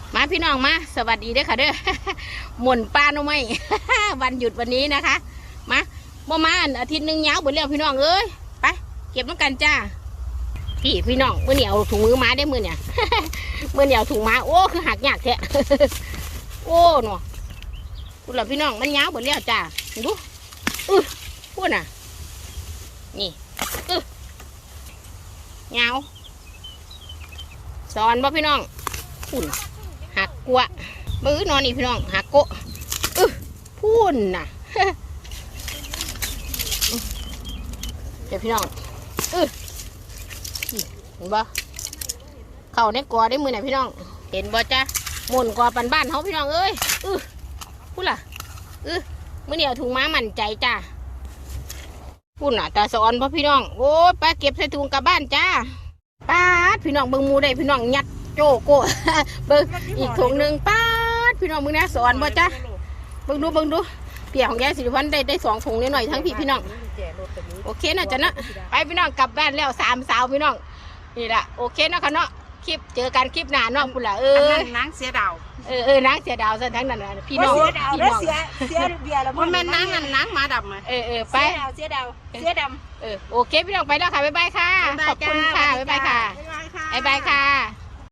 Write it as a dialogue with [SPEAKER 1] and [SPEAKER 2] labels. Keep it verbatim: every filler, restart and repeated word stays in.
[SPEAKER 1] มาพี่น้องมาสวัสดีด้วยค่ะเด้อ หม่นปลาโนไม่ วันหยุดวันนี้นะคะมาประมาณอาทิตย์หนึ่งยาวหมดแล้วพี่น้องเอ้ยไปเก็บน้ำกันจ้าพี่พี่น้องเมื่อเหนียวถุงมือม้าได้มือเนี่ย เมื่อเหนียวถุงม้าโอ้คือหักยากแท้ โอ้หนอคุณหล่ะพี่น้องมันยาวหมดแล้วจ้าดูอื้อพูดน่ะนี่อื้อยาวสอนบ่พี่น้องพุ่นหักกวะมือนอนนี่พี่น้องหักโกะอื้อพุ่นน่ะ เดี๋ยวพี่น้องอื้อเห็นบ่เข่าในกอได้มือไหนพี่น้องเห็นบ่จ้าหมุนกอปันบ้านเขาพี่น้องเอ้ยอื้อพูดล่ะอื้อมื่อเดียวถุงม้ามั่นใจจ้าพูดน่ะตาสอนพ่อพี่น้องโอ้ไปเก็บใส่ถุงกลับบ้านจ้าป้าดพี่น้องเบิ่งมูได้พี่น้องยัดโจโก้ เบิ่งอีกถุงหนึ่งป้าดพี่น้องมึงนะสอนบ่จ้าเบิ่งดูเบิ่งดูเปียของยายสิริพันธ์ได้ได้สองถุงนิดหน่อยทั้งพี่พี่น้องโอเคนะจ๊ะนะไปพี่น้องกลับบ้านแล้วสามสาวพี่น้องนี่แหละโอเคนะค่ะเนาะคลิปเจอกันคลิปหน้าเนาะคุณล่ะเออ
[SPEAKER 2] นังเสียดาว
[SPEAKER 1] เออเออนางเสียดาวซะทั้งนั้นพี่น้องพี่น้อง
[SPEAKER 2] เสียเสียเบียร์แล้วมันเป็นนังนั่นนังมาดำเลย
[SPEAKER 1] เออเออไป
[SPEAKER 2] เสียดาวเสียดำ
[SPEAKER 1] เออโอเคพี่น้องไปแล้วค่ะบ๊ายบายค่ะขอบคุณค่ะบ๊ายบายค่ะบ๊ายบายค่ะ